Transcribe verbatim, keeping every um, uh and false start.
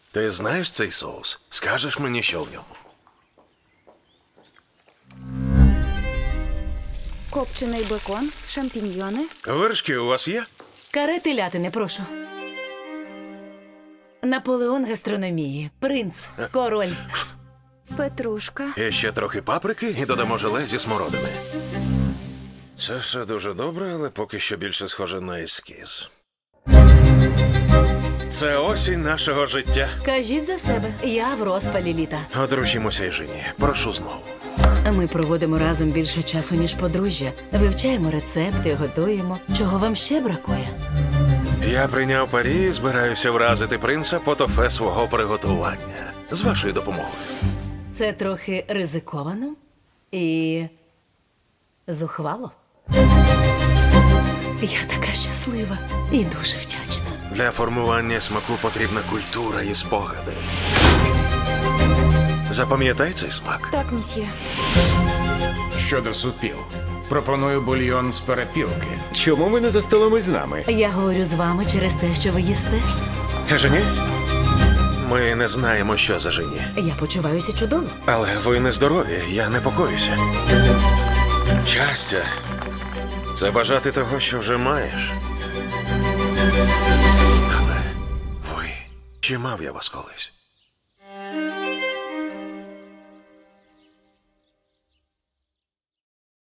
Ти знаєш цей соус? Скажеш мені, що в ньому? Копчений бекон, шампіньйони. Вершки у вас є? Каре телятини, прошу. Наполеон гастрономії. Принц. Король. Петрушка. І ще трохи паприки і додамо желе зі смородини. Це все дуже добре, але поки що більше схоже на ескіз. Це осінь нашого життя. Кажіть за себе. Я в розпалі літа. Одружімося і жені. Прошу знову. Ми проводимо разом більше часу, ніж подружжя. Вивчаємо рецепти, готуємо. Чого вам ще бракує? Я прийняв парі і збираюся вразити принца по тофе свого приготування. З вашою допомогою. Це трохи ризиковано і зухвало. Я така щаслива і дуже вдячна. Для формування смаку потрібна культура і спогади. Запам'ятай цей смак. Так, місьє. Щодо супів, пропоную бульйон з перепілки. Чому ви не за столом із нами? Я говорю з вами через те, що ви їсте. Жені? Ми не знаємо, що за жені. Я почуваюся чудово. Але ви нездорові, я непокоюся. Щастя – це бажати того, що вже маєш. Але ви, чи мав я вас колись?